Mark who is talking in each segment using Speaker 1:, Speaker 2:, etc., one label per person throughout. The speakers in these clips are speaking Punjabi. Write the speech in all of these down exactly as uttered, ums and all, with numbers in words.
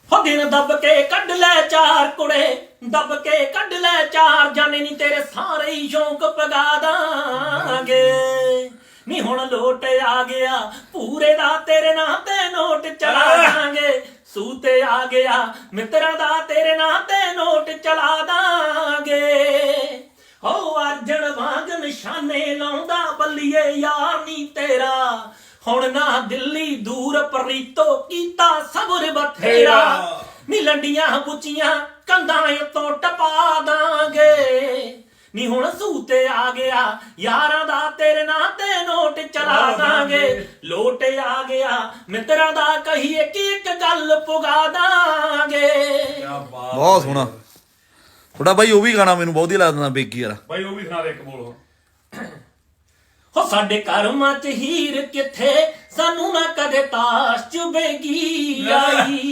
Speaker 1: ਹੋ ਦਿਨ ਦੱਬ ਕੇ ਕੱਢ ਲੈ ਚਾਰ ਕੁੜੇ ਦੱਬ ਕੇ ਕੱਢ ਲੈ ਚਾਰ ਜਾਣੇ ਨੀ ਤੇਰੇ ਸਾਰੇ ਹੀ ਸ਼ੌਂਕ ਪਗਾ ਦਾਂਗੇ ਨੀ ਹੁਣ ਲੋਟ ਆ ਗਿਆ ਪੂਰੇ ਦਾ ਤੇਰੇ ਨਾਂ ਤੇ ਨੋਟ ਚਲਾ ਦਾਂਗੇ ਸੂਤੇ ਆ ਗਿਆ ਮਿੱਤਰਾਂ ਦਾ ਤੇਰੇ ਨਾਂ ਤੇ ਨੋਟ ਚਲਾ ਦਾਂਗੇ ਹੋ ਅਰਜਨ ਵਾਂਗ ਨਿਸ਼ਾਨੇ ਲਾਉਂਦਾ ਬੱਲੀਏ ਯਾਰ ਨੀ ਤੇਰਾ ਹੁਣ ਨਾ ਦਿੱਲੀ ਦੂਰ ਪਰੀਤੋ ਕੀਤਾ ਸਬਰ ਬਥੇਰਾ ਨੀ ਲੰਡੀਆਂ ਬੁੱਚੀਆਂ ਕੰਧਾਂ ਤੋਂ ਟਪਾ ਦਾਂਗੇ ਨੀ ਹੁਣ ਸੂਤੇ ਆ ਗਿਆ ਯਾਰਾਂ ਦਾ ਤੇਰੇ ਨਾਂ ਤੇ ਨੋਟ ਚਲਾ ਦਾਂਗੇ ਲੋਟ ਆ ਗਿਆ ਮਿੱਤਰਾਂ ਦਾ ਕਹੀਏ ਕਿ ਇੱਕ ਗੱਲ ਪੁਗਾ ਦਾਂਗੇ।
Speaker 2: ਬਹੁਤ ਸੋਹਣਾ ਥੋੜਾ ਬਾਈ ਉਹ ਵੀ ਗਾਣਾ ਮੈਨੂੰ ਬਹੁਤ ਹੀ ਲੱਗਦਾ ਬੇਗੀ ਯਾਰ
Speaker 3: ਬਾਈ ਉਹ ਵੀ ਸੁਣਾ ਦੇ ਇੱਕ ਬੋਲ
Speaker 1: ਹੋ ਸਾਡੇ ਕਰਮਾਂ ਚ ਹੀਰ ਕਿੱਥੇ ਸਾਨੂੰ ਨਾ ਕਦੇ ਤਾਸ਼ ਚੁਬੇਗੀ ਆਈ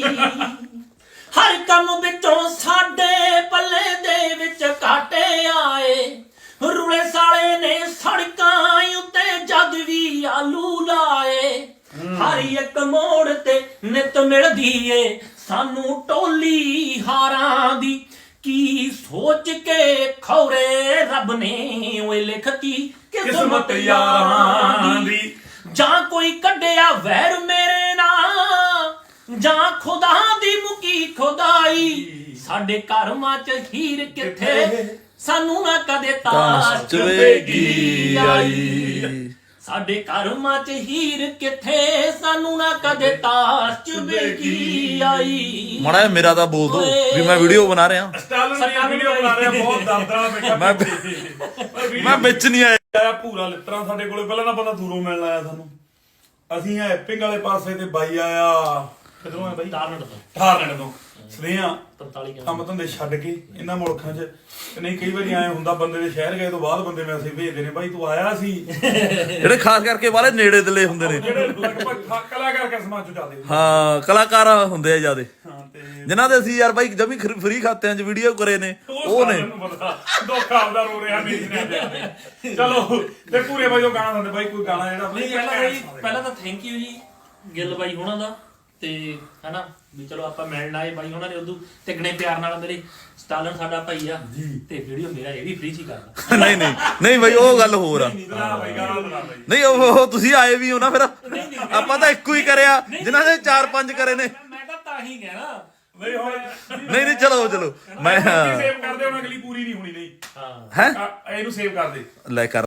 Speaker 1: ਹਰ ਕੰਮ ਵਿੱਚੋਂ ਸਾਡੇ ਪੱਲੇ ਦੇ ਵਿੱਚ ਕਾਟੇ ਆਏ ਰੁਲੇ ਸਾਲੇ ਨੇ ਸੜਕਾਂ ਉੱਤੇ ਜਦ ਵੀ ਆਲੂ ਲਾਏ ਹਰ ਇੱਕ ਮੋੜ ਤੇ ਨਿਤ ਮਿਲਦੀ ਏ ਸਾਨੂੰ ਟੋਲੀ ਹਾਰਾਂ ਦੀ ਕੀ ਸੋਚ ਕੇ ਖੌਰੇ ਰੱਬ ਨੇ ਓਏ ਲਿਖਤੀ ਕਿਸਮਤ ਯਾਰਾਂ ਦੀ ਜਾਂ ਕੋਈ ਕੱਢਿਆ ਵੈਰ ਮੇਰੇ ਨਾਲ ਜਾਂ ਖੁਦਾ ਦੀ ਮੁਕੀ ਖੁਦਾਈ ਸਾਡੇ ਕਰਮਾਂ ਚ ਹੀਰ ਕਿੱਥੇ ਸਾਨੂੰ ਨਾ ਕਦੇ ਤਾਸ਼ ਚੁਬੇਗੀ ਆਈ ਸਾਡੇ ਕਰਮਾਂ ਚ ਹੀਰ ਕਿੱਥੇ ਸਾਨੂੰ ਨਾ ਕਦੇ ਤਾਸ਼ ਚੁਬੇਗੀ ਆਈ।
Speaker 2: ਮਾੜਾ ਜਿਹਾ ਮੇਰਾ ਤਾਂ ਬੋਲ ਦੋ ਵੀ ਮੈਂ ਵੀਡੀਓ ਬਣਾ ਰਿਹਾ
Speaker 3: ਸਟਾਲਨ ਦੀ ਵੀਡੀਓ ਬਣਾ ਰਿਹਾ ਬਹੁਤ ਦਰਦਰਾ ਬੈਠਾ
Speaker 2: ਮੈਂ ਮੈਂ ਵਿੱਚ ਨਹੀਂ ਆਇਆ
Speaker 3: ਪੂਰਾ ਲਿੱਤਰਾ ਸਾਡੇ ਕੋਲੇ ਪਹਿਲਾਂ ਨਾ ਬੰਦਾ ਦੂਰੋਂ ਮਿਲਣ ਆਇਆ ਸਾਨੂੰ ਅਸੀਂ ਆ ਐਪਿੰਗ ਵਾਲੇ ਪਾਸੇ ਤੇ ਬਾਈ ਆਇਆ ਕਿਧਰੋਂ ਆ ਬਾਈ
Speaker 1: ਟਾਰਨਟ ਤੋਂ
Speaker 3: ਠਾਰਨਟ ਤੋਂ ਸਦਿਆਂ
Speaker 1: ਪੰਤਾਲੀ
Speaker 3: ਕੰਮ ਧੰਦੇ ਛੱਡ ਕੇ ਇਹਨਾਂ ਮੁਲਕਾਂ 'ਚ ਨਹੀਂ ਕਈ ਵਾਰੀ ਐ ਹੁੰਦਾ ਬੰਦੇ ਦੇ ਸ਼ਹਿਰ ਗਏ ਤੋਂ ਬਾਅਦ ਬੰਦੇ ਮੈਸੇਜ ਭੇਜਦੇ ਨੇ ਬਾਈ ਤੂੰ ਆਇਆ ਸੀ
Speaker 2: ਜਿਹੜੇ ਖਾਸ ਕਰਕੇ ਵਾਲੇ ਨੇੜੇ ਦਲੇ ਹੁੰਦੇ ਨੇ
Speaker 3: ਜਿਹੜੇ ਲਗਭਗ ਕਲਾਕਾਰ ਕਿਸਮਾਂ 'ਚ ਜਾਂਦੇ
Speaker 2: ਹਾਂ ਕਲਾਕਾਰ ਹੁੰਦੇ ਆ ਜਿਆਦੇ
Speaker 3: ਹਾਂ ਤੇ
Speaker 2: ਜਿਨ੍ਹਾਂ ਦੇ ਅਸੀਂ ਯਾਰ ਬਾਈ ਜਮੀ ਫ੍ਰੀ ਖਾਤਿਆਂ 'ਚ ਵੀਡੀਓ ਕਰੇ ਨੇ ਉਹ ਨੇ
Speaker 3: ਦੁੱਖ ਆਪਦਾ ਰੋ ਰਿਹਾ ਮੇਰੀ ਨੇ ਚਲੋ ਤੇ ਪੂਰੇ ਬਾਈ ਉਹ ਗਾਣਾ ਦਿੰਦੇ ਬਾਈ ਕੋਈ ਗਾਣਾ ਜਿਹੜਾ
Speaker 1: ਨਹੀਂ ਪਹਿਲਾਂ ਬਾਈ ਪਹਿਲਾਂ ਤਾਂ ਥੈਂਕ ਯੂ ਜੀ ਗਿੱਲ ਬਾਈ ਹੋਣਾ ਦਾ ਤੇ ਹਨਾ ਵੀ ਚਲੋ ਆਪਾਂ ਮਿਲਣ ਆਏ ਬਾਈ ਉਹਨਾਂ ਨੇ ਉਦੋਂ ਤਿਗਣੇ ਪਿਆਰ ਨਾਲ ਮੇਰੇ ਸਟਾਲਨ ਸਾਡਾ ਭਾਈ ਆ ਤੇ ਵੀਡੀਓ ਮੇਰਾ ਇਹ ਵੀ ਫ੍ਰੀ ਚ ਹੀ ਕਰਦਾ
Speaker 2: ਨਹੀਂ ਨਹੀਂ ਨਹੀਂ ਬਾਈ ਉਹ ਗੱਲ ਹੋਰ ਆ ਨਹੀਂ ਉਹ ਤੁਸੀਂ ਆਏ ਵੀ ਹੋ ਨਾ ਫਿਰ ਆਪਾਂ ਤਾਂ ਇੱਕੋ ਹੀ ਕਰਿਆ ਜਿਨ੍ਹਾਂ ਨੇ ਚਾਰ ਪੰਜ ਕਰੇ ਨੇ
Speaker 1: ਮੈਂ ਤਾਂ ਤਾਂ ਹੀ ਗਿਆ ਨਾ
Speaker 3: ਨਹੀਂ ਹੁਣ
Speaker 2: ਨਹੀਂ ਨਹੀਂ ਚਲੋ ਚਲੋ ਮੈਂ
Speaker 3: ਸੇਵ ਕਰਦੇ ਹੁਣ ਅਗਲੀ ਪੂਰੀ ਨਹੀਂ ਹੋਣੀ ਨਹੀਂ
Speaker 1: ਹਾਂ
Speaker 2: ਹੈ
Speaker 3: ਇਹਨੂੰ ਸੇਵ ਕਰ ਦੇ
Speaker 2: ਲੈ ਕਰ